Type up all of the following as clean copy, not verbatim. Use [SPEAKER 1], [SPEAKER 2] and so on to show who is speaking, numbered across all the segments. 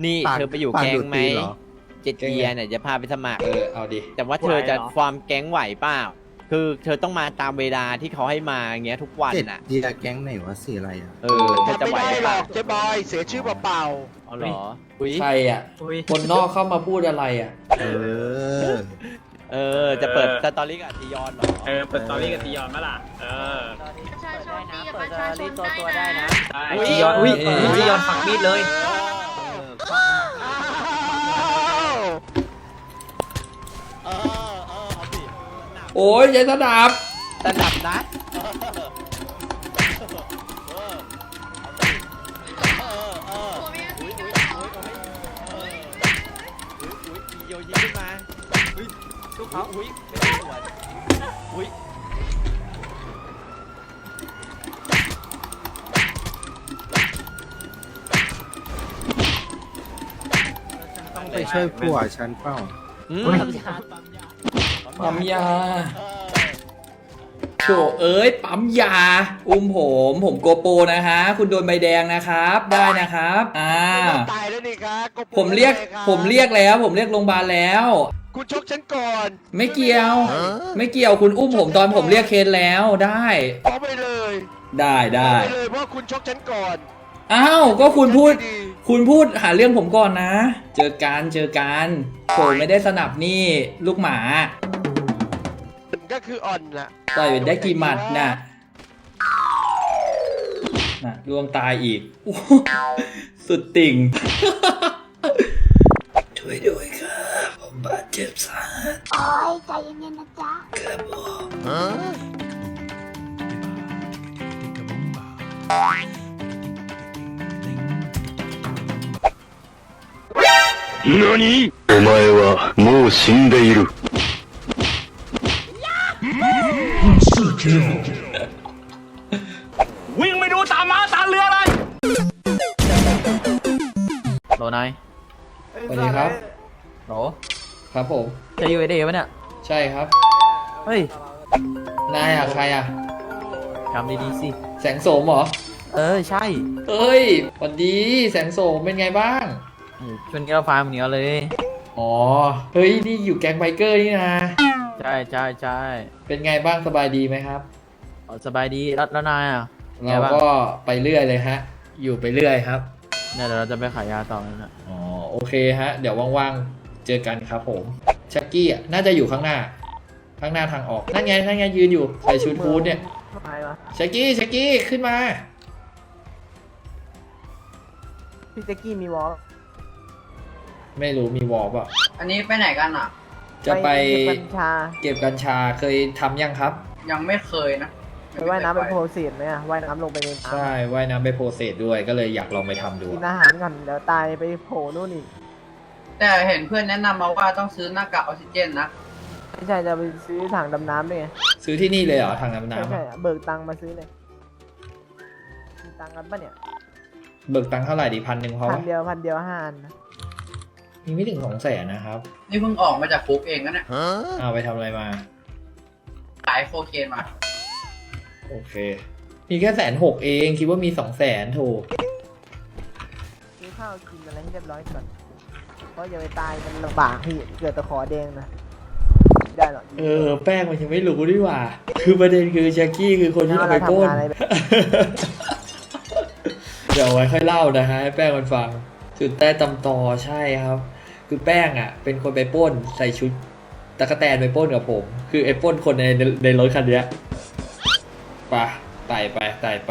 [SPEAKER 1] นี่เธอไปอยู่แก๊งไหมเจ็ดเกียร์เนี่ยจะพาไปสมัคร
[SPEAKER 2] เอาดิ
[SPEAKER 1] แต่ว่าเธอจะฟอร์มแก๊งไหวเปล่าคือเธอต้องมาตามเวลาที่เขาให้มาอย่างเงี้ยทุกวันน่ะ
[SPEAKER 3] เดียแก๊งไหนวะสีอะไรอ่ะ
[SPEAKER 1] เธอจะไหว
[SPEAKER 4] ไม่ได้หรอกเจ๊บอยเสียชื่อเปล่า
[SPEAKER 1] อ๋อเหรอ
[SPEAKER 2] ใครอ่ะคนนอกเข้ามาพูดอะไรอ่ะ
[SPEAKER 1] จะเปิดสตอรี่กับจียอนเหรอ
[SPEAKER 5] เปิดสตอรี่กับจียอนมั้ยล่ะ
[SPEAKER 6] ประชาชนดีกับประชาชนได้นะ
[SPEAKER 5] จียอนจียอนฝังมีดเลย
[SPEAKER 2] โอ้ยยัยสนับ
[SPEAKER 1] นะโยยิงขึ้นมาลูกเขาไม่ได้สวน
[SPEAKER 3] ต้องไปช่วยผัวฉันเปล่า
[SPEAKER 2] ปั๊มยาโถเอ้ยปั๊มยาผมโกโปนะฮะคุณโดนใบแดงนะครับได้นะครับ
[SPEAKER 4] ตายแล้วนี่ครับ
[SPEAKER 2] ผมเรียกแล้วผมเรียกโรงพยาบาลแล้ว
[SPEAKER 4] คุณชกฉันก่อน
[SPEAKER 2] ไม่เกี่ยวคุณอุ้มผมตอนผมเรียกเคสแล้วได้
[SPEAKER 4] เอาไปเลย
[SPEAKER 2] ได้
[SPEAKER 4] ไปเลยเพราะคุณชกฉันก่อน
[SPEAKER 2] อ้าวก็คุณพูดหาเรื่องผมก่อนนะเจอกันผมไม่ได้สนับนี่ลูกหมา
[SPEAKER 4] ก็คืออ่อนน่ะ
[SPEAKER 2] ต่อยได้กี่หมัดน่ะล่วงตายอีกสุดติ่งช่วยด้วยครับผมบาดเจ็บสาหัส
[SPEAKER 6] โอ้ยใจเย็นๆนะจ๊ะ
[SPEAKER 2] ครับผม
[SPEAKER 7] 何？お前はもう死んでいる。
[SPEAKER 5] วิ่งไปดูตามม้าตามเรือเลย
[SPEAKER 1] โหลนาย
[SPEAKER 2] สวัสดีครับ
[SPEAKER 1] โหล
[SPEAKER 2] ครับผม
[SPEAKER 1] จะอยู่ไอเดียปะเนี่ย
[SPEAKER 2] ใช่ครับ
[SPEAKER 1] เฮ้ย
[SPEAKER 2] นายใคร
[SPEAKER 1] ทำดีๆสิ
[SPEAKER 2] แสงโสมเหรอ
[SPEAKER 1] ใช่
[SPEAKER 2] เอ้ยสวัสดีแสงโสมเป็นไงบ้าง
[SPEAKER 1] ชวนแก้วฟ้าเหมือนกันเลย
[SPEAKER 2] อ๋อเฮ้ยนี่อยู่แก๊งไบเกอร์นี่นะ
[SPEAKER 1] ใช่
[SPEAKER 2] เป็นไงบ้างสบายดีไหมครับ
[SPEAKER 1] สบายดีแล้วนาย
[SPEAKER 2] เราก็ไปเรื่อยเลยฮะอยู่ไปเรื่อยครับ
[SPEAKER 1] เนี่ยเดี๋ยวเราจะไปขายยาต่อนะ
[SPEAKER 2] อ๋อโอเคฮะเดี๋ยวว่างๆเจอกันครับผมชักกี้น่าจะอยู่ข้างหน้าทางออกนั่นไงยืนอยู่ใส่ชุดฮู้ดเนี่ยชักกี้ขึ้นมา
[SPEAKER 8] พี่ชักกี้มีวอล
[SPEAKER 2] ไม่รู้มีวอลป่ะ
[SPEAKER 9] อันนี้ไปไหนกันอ่ะ
[SPEAKER 2] จะไปเก็บกัญชาเคยทำยังครับ
[SPEAKER 9] ยังไม่เคยนะ
[SPEAKER 8] ไปว่ายน้ำไปโพเซสไหมว่ายน้ำลงไปในน้ำ
[SPEAKER 2] ใช่ว่ายน้ำไปโพเซสด้วยก็เลยอยากลองไปทำดู
[SPEAKER 8] กินอาหารก่อนเดี๋ยวตายไปโผล่นู่นอีก
[SPEAKER 9] แต่เห็นเพื่อนแนะนำมาว่าต้องซื้อหน้ากากออกซิเจนนะ
[SPEAKER 8] ไม่ใช่จะไปซื้อถังดำน้ำด้วยไง
[SPEAKER 2] ซื้อที่นี่เลยเหรอถังดำน้ำ
[SPEAKER 8] ใช่เบิกตังค์มาซื้อเลยมีตังค์กันปะเนี่ย
[SPEAKER 2] เบิกตังค์เท่าไหร่ดี1,000เขา
[SPEAKER 8] 1,000เดียว5 อัน
[SPEAKER 2] มีไม่ถึง200,000นะครับ
[SPEAKER 9] นี่เพิ่งออกมาจากคุกเองนะเนี่ย
[SPEAKER 2] เอาไปทำอะไรมา
[SPEAKER 9] ขายโคเคนมา
[SPEAKER 2] โอเคมีแค่160,000เองคิดว่ามี200,000ถูก
[SPEAKER 8] ซื้อข้าวกินอะไรให้เรียบร้อยก่อนเพราะอย่าไปตายมันลำบากพี่เกิดตะขอแดงนะได้หรอ
[SPEAKER 2] แป้งมันยังไม่รู้ดีกว่าคือประเด็นคือแจ็คกี้คือคนที่เอาไปโค่นเดี๋ยวไว้ค่อยเล่านะฮะให้แป้งมันฟังจุดใต้ตำตอใช่ครับคือแป้งเป็นคนไปปล้นใส่ชุดตะกะแตนไปปล้นกับผมคือไอ้ปล้นคนในรถคันนี้ไต่ไป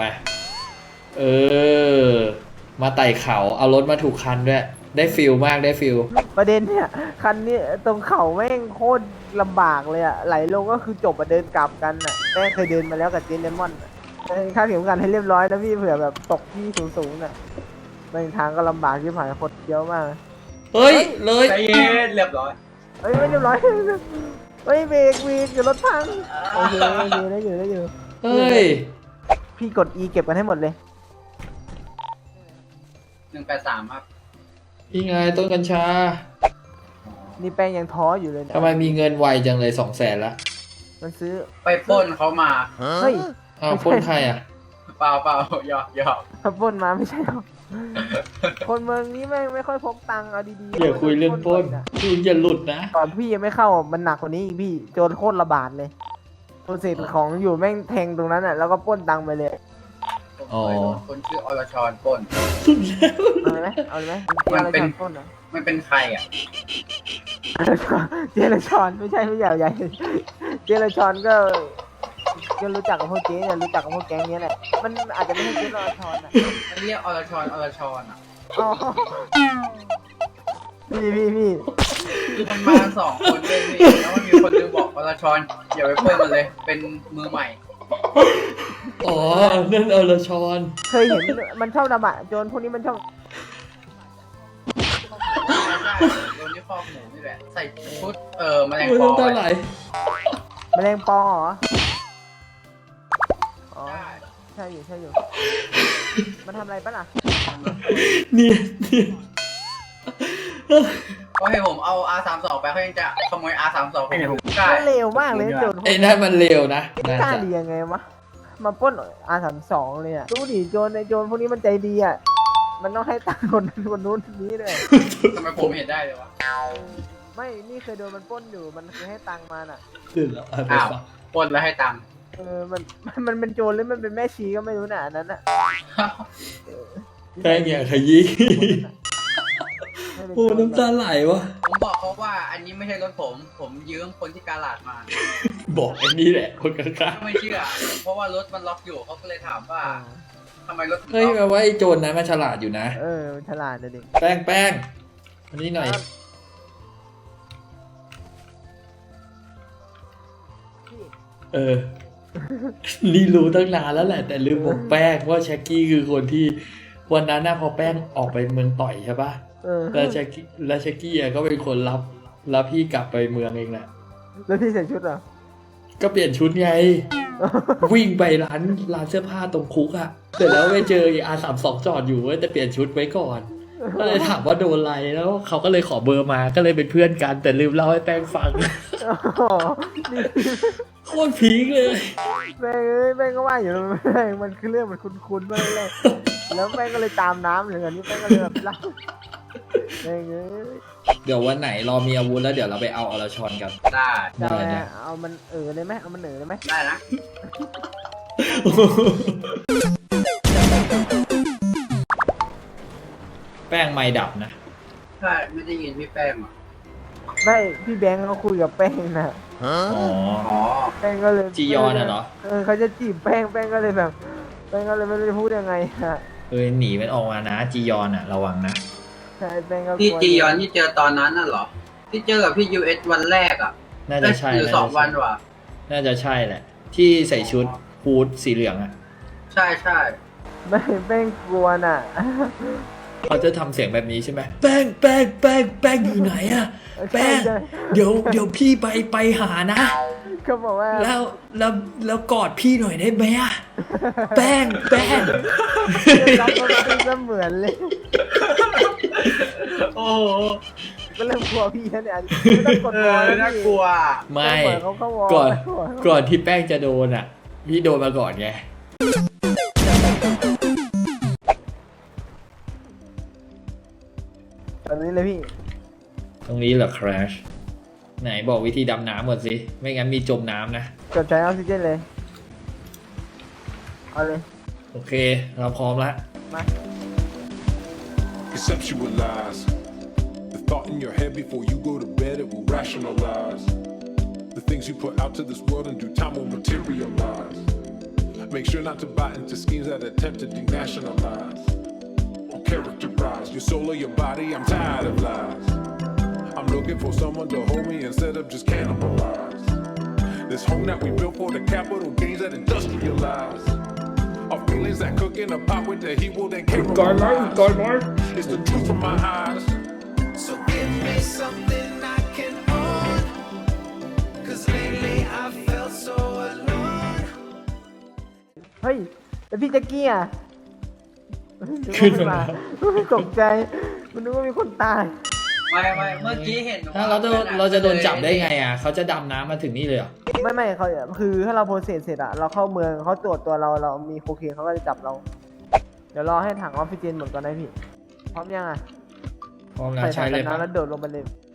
[SPEAKER 2] มาไต่เขาเอารถมาถูกคันด้วยได้ฟิลมากได้ฟิล
[SPEAKER 8] ประเด็นเนี่ยคันนี้ตรงเขาแม่งโคตรลำบากเลยไหลลงก็คือจบเดินกลับกันแป้งเคยเดินมาแล้วกับเจนเลมอนค่าเข็มขัดให้เรียบร้อยนะพี่เผื่อแบบตกที่สูงบางทางก็ลำบากที่ผ่านคนเยอะมาก
[SPEAKER 2] เฮ้ยเลย
[SPEAKER 9] ใจเย็นเรียบร้อย
[SPEAKER 8] ไม่เรียบร้อยเฮ้ยเบรกอยู่รถพังโอเคได้อยู่
[SPEAKER 2] เฮ้ย
[SPEAKER 8] พี่กด E เก็บกันให้หมดเลย
[SPEAKER 9] 183ครับ
[SPEAKER 2] นี่ไงต้นกัญชา
[SPEAKER 8] นี่แป้งยังท้ออยู่เลย
[SPEAKER 2] ทำไมมีเงินไวจังเลย200,000ละ
[SPEAKER 8] มันซื้อ
[SPEAKER 9] ไปปล้นเขามา
[SPEAKER 8] เฮ้ย
[SPEAKER 2] ปล้นใคร
[SPEAKER 9] ไปเปล่าเปล่าหยอกหยอก
[SPEAKER 8] ถ้าปล้นมาไม่ใช่หรอกคนเมืองนี้แม่งไม่ค่อยพกตังค์เอาดีๆ
[SPEAKER 2] อย่าคุยเรื่องปล้น
[SPEAKER 8] อะ
[SPEAKER 2] คุณอย่าหลุดนะ
[SPEAKER 8] ก่อนพี่ยังไม่เข้ามันหนักกว่านี้อีกพี่โจรโคตรระบาดเลยโจรเศษของอยู่แม่งแทงตรงนั้นอ่ะแล้วก็ปล้นตังค์ไปเลย
[SPEAKER 9] ผมเคยโดนคนชื่ออรชรปล้น
[SPEAKER 8] เอาเลยไหมเอาเลยไหม
[SPEAKER 9] มันเป็น
[SPEAKER 8] ปล้นเหรอ
[SPEAKER 9] มันเป็นใครอ่ะ
[SPEAKER 8] เจรชอนไม่ใช่ใหญ่เจรชอนก็รู้จักกับพวกเจ๊เนี่ยรู้จักกับพวกแก๊งเนี้ยแหละมันอาจจะไม่ใช่เจรชอนอ่ะ
[SPEAKER 9] มันเรียกอรชรอ่ะ
[SPEAKER 8] อ๋อพี่
[SPEAKER 9] คือมันมาสองคนเลยพี่แล้วมันมีคนนึงบอกอรชรอย่าไปปล้นมันเลย เป็นมือใหม่
[SPEAKER 2] อ๋อ นั่นอรชร
[SPEAKER 8] เคยเห็นมันชอบดำอ่ะโจรพวกนี้มันชอบ
[SPEAKER 9] โดนที่คอกหมูนี่แหละ ใส่ชุดแมลง
[SPEAKER 2] โอ้ย
[SPEAKER 9] ปอ
[SPEAKER 2] น้ำตาไหล
[SPEAKER 8] แมลงปอเหรออ๋อใช่อยู่มันทำอะไรปะล่ะ
[SPEAKER 2] เนี่ย
[SPEAKER 9] ก็ให้ผมเอา R32 ไปเขายังจะขโมย R32 ผมได้
[SPEAKER 8] มันเร็วมากเลยโจรพวก
[SPEAKER 2] ไอ้
[SPEAKER 8] นี้
[SPEAKER 2] นั่นมันเร็วนะน่าก
[SPEAKER 8] ล้า
[SPEAKER 2] จะ
[SPEAKER 8] ดียังไงวะมาปล้นR32เลยอ่ะดูดิโจรพวกนี้มันใจดีอ่ะมันต้องให้ตังค์คนนั้นคนนู้นคนนี้ด้วย
[SPEAKER 9] ทำไมผมเห็นได้เลยวะ
[SPEAKER 8] ไม่นี่เคยโดนมันปล้นอยู่มันเคยให้ตังค์มันอ่ะ
[SPEAKER 2] ขึ้นแล้วเอาไป
[SPEAKER 9] อ้าว
[SPEAKER 2] ฟัง
[SPEAKER 9] ปล้นแล้วให้ตังค์
[SPEAKER 8] มันเป็นโจรหรือมันเป็นแม่ชีก็ไม่รู้น่ะอันนั้นอ่ะ
[SPEAKER 2] แป้งอย่างขยี้โอ้น้ำตาไหลวะ
[SPEAKER 9] ผมบอกเขาว่าอันนี้ไม่ใช่รถผมยืมคนที่กาลาดมา
[SPEAKER 2] บอกไอ้นี่แหละ คนข้าง
[SPEAKER 9] ไม่เชื่อ เพราะว่ารถมันล็อกอยู่เขาก็เลยถามว่าทำไมรถถึง
[SPEAKER 2] ๆเฮ้ย
[SPEAKER 9] ล็อก
[SPEAKER 2] แปลว่าไอ้โจรนะมันฉลาดอยู่นะ
[SPEAKER 8] มันฉลาดนะเด็ก
[SPEAKER 2] แป้งอันนี้หน่อย เออ นี่รู้ตั้งนานแล้วแหละ แต่ลืมบอกแป้งว่าแช็กกี้คือคนที่วันนั้นนะพอแป้งออกไปเมืองต่อยใช่ปะแล้วแช็กกี้ก็เป็นคนรับพี่กลับไปเมืองเองแหละ
[SPEAKER 8] แล้วพี่ใส่ชุดเหรอ
[SPEAKER 2] ก็เปลี่ยนชุดไง วิ่งไปร้านเสื้อผ้าตรงคุกอะเสร็จแล้วไปเจอR32จอดอยู่ว่าจะเปลี่ยนชุดไว้ก่อน ก็เลยถามว่าโดนอะไรแล้วเขาก็เลยขอเบอร์มาก็เลยเป็นเพื่อนกัน แต่ลืมเล่าให้แป้งฟัง โคตรพีคเลย
[SPEAKER 8] แม่งก็ว่าอยู่มันคือเรื่องมันคุ้นๆมากเลยแล้วแม่งก็เลยตามน้ำเลยอันนี้แม่งก็เลยแบบเล่าแม่ง
[SPEAKER 2] เดี๋ยววันไหนรอมีอาวุธแล้วเดี๋ยวเราไปเอาอรชรกัน
[SPEAKER 9] ได้
[SPEAKER 8] ได้เอามันเลยไหมเอามันเลยไหม
[SPEAKER 9] ได้นะ
[SPEAKER 2] แป้งไม่ดับนะ
[SPEAKER 9] ใช่ไม่ได้ยินพี่แป้งอ่ะ
[SPEAKER 8] ไม่พี่แบงค์เขาคุยกับแป้งนะ
[SPEAKER 2] อ๋อ
[SPEAKER 9] อ๋อ
[SPEAKER 8] แป้งก็เลย
[SPEAKER 2] จียอนน่ะเหรอ
[SPEAKER 8] เขาจะจีบแป้งก็เลยแบบแป้งก็เลยไม่รู้จะพูดยังไงฮะ
[SPEAKER 2] หนีมันออกมานะจียอนอะระวังนะ
[SPEAKER 8] ใช่แป้งก็กลัว
[SPEAKER 9] พี่จียอนที่เจอตอนนั้นน่ะเหรอ ที่เจอกับพี่ US วันแรกอ่ะ
[SPEAKER 2] น่าจะใช่
[SPEAKER 9] หรือ2 วันวะ
[SPEAKER 2] น่าจะใช่แหละ ที่ใส่ชุดฮูดสีเหลืองอะ
[SPEAKER 9] ใช่ใช่
[SPEAKER 8] ไม่แป้งกลัวน่ะ
[SPEAKER 2] เขาจะทำเสียงแบบนี้ใช่ไหมแป้งอยู่ไหนอะแป้ง
[SPEAKER 8] ใช่
[SPEAKER 2] เดี๋ยวพี่ไปหานะ
[SPEAKER 8] เขาบอกว่า
[SPEAKER 2] แล้วกอดพี่หน่อยได้ไหมอะแป้ง
[SPEAKER 8] รับก็เป็นเสมือนเลย
[SPEAKER 9] โอ้โห
[SPEAKER 8] ก็เริ่มกลัวพี่แล้วเนี่ยไม่ต้องกดวอลแล้ว
[SPEAKER 9] น่ากลัว
[SPEAKER 2] ไม่
[SPEAKER 8] เขาเข้าวอล
[SPEAKER 2] ก่อนที่แป้งจะโดนอะพี่โดนมาก่อนไง
[SPEAKER 8] แบบนี้เลยพี่
[SPEAKER 2] ตรงนี้เหรอคราชไหนบอกวิธีดำน้ำก่อนสิ ไม่งั้นมีจมน้ำนะ
[SPEAKER 8] กดใช้ออกซิเจนเลย เอาเลย
[SPEAKER 2] โอเค เราพร้อมแล้ว
[SPEAKER 8] มา
[SPEAKER 10] Conceptualize the thought in your head before you go to bed. It will rationalize the things you put out to this world in due time will materialize. Make sure not to buy into schemes that attempt to denationalize or characterize your soul or your body. I'm tired of lies. I'm looking for someone to hold me instead of just cannibalize this home that we built for the capital gains that industrialize. Our feelings that cook in a pot with the heat will then caramelize. It's the truth from my eyes. So give me something I can own. Cause lately I felt so alone.
[SPEAKER 8] เฮ้ยแล้วพี่แจ็กกี้อ่ะ
[SPEAKER 2] ขึ้นมา
[SPEAKER 8] ตกใจมันนึกว่ามีคนตาย
[SPEAKER 9] ไม่เมื่อกี้เห็น
[SPEAKER 2] ถ้าเราจะโดนจับได้ไงอ่ะเขาจะดำน้ำมาถึงนี่เลยเหรอ
[SPEAKER 8] ไม่เขาคือถ้าเราโปรเซสเสร็จอะเราเข้าเมืองเขาตรวจตัวเรามีโคเคนเขาก็จะจับเรา เดี๋ยวรอให้ถังออกซิเจนหมดก่อนนะพี่พร้อมยังอะ
[SPEAKER 2] พร้อมแล้ว
[SPEAKER 8] ใส่
[SPEAKER 2] ใช้
[SPEAKER 8] ถัง
[SPEAKER 2] เล
[SPEAKER 8] กั
[SPEAKER 2] ย
[SPEAKER 8] น
[SPEAKER 2] ปะ
[SPEAKER 8] น้ำแล้วโดดลงไปเลย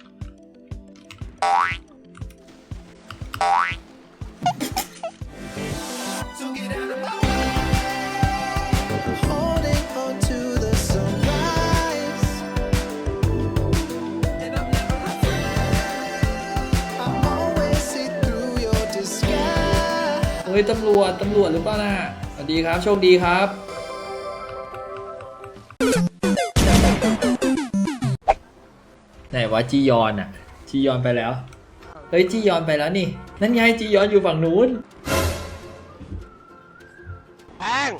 [SPEAKER 2] เฮ้ยตำรวจหรือเปล่าน่ะสวัสดีครับโชคดีครับ ไหนวะจียอนอ่ะจียอนไปแล้วเฮ้ยจียอนไปแล้วนี่นั่นไงจียอนอยู่ฝั่งนู้น
[SPEAKER 4] แป้ง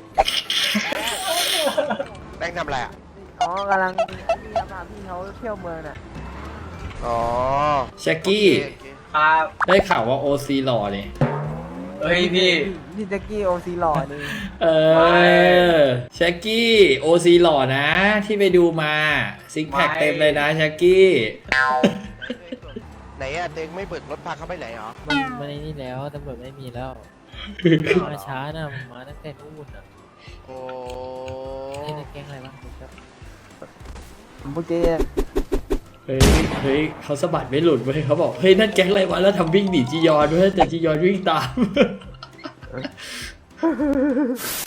[SPEAKER 4] แป้งทำอะไรอ่ะ
[SPEAKER 8] อ๋อกำลังพี่พาพี่เขาเที่ยวเมืองน่ะ
[SPEAKER 4] อ๋อ
[SPEAKER 2] แช็กกี้
[SPEAKER 4] โอเค
[SPEAKER 9] ครับ
[SPEAKER 2] ได้ข่าวว่าโอซีหล่อนี่
[SPEAKER 9] เฮ้ยพี่
[SPEAKER 8] พี่แจ็กกี้โอซีหล่อนี่
[SPEAKER 2] แช็กกี้โอซีหล่อนะ ที่ไปดูมาซิกแพคเต็มเลยนะแช็กกี้
[SPEAKER 4] ไหนอ่ะเต็งไม่เปิดรถพาเขาไปไหนหรอ
[SPEAKER 5] มันนี่แล้วตำรวจไม่มีแล้วมาช้านะมาตั้งแต่นู่นอ่ะ
[SPEAKER 4] โอ้
[SPEAKER 5] นี่ในแก๊งอะไรบ้างครับ
[SPEAKER 8] พวกเจ๊
[SPEAKER 2] เฮ้ยเขาสะบัดไม่หลุดเว้ยเขาบอกเฮ้ยนั่นแก๊งอะไรวะแล้วทำวิ่งหนีจียอนด้วยแต่จียอนวิ่งตาม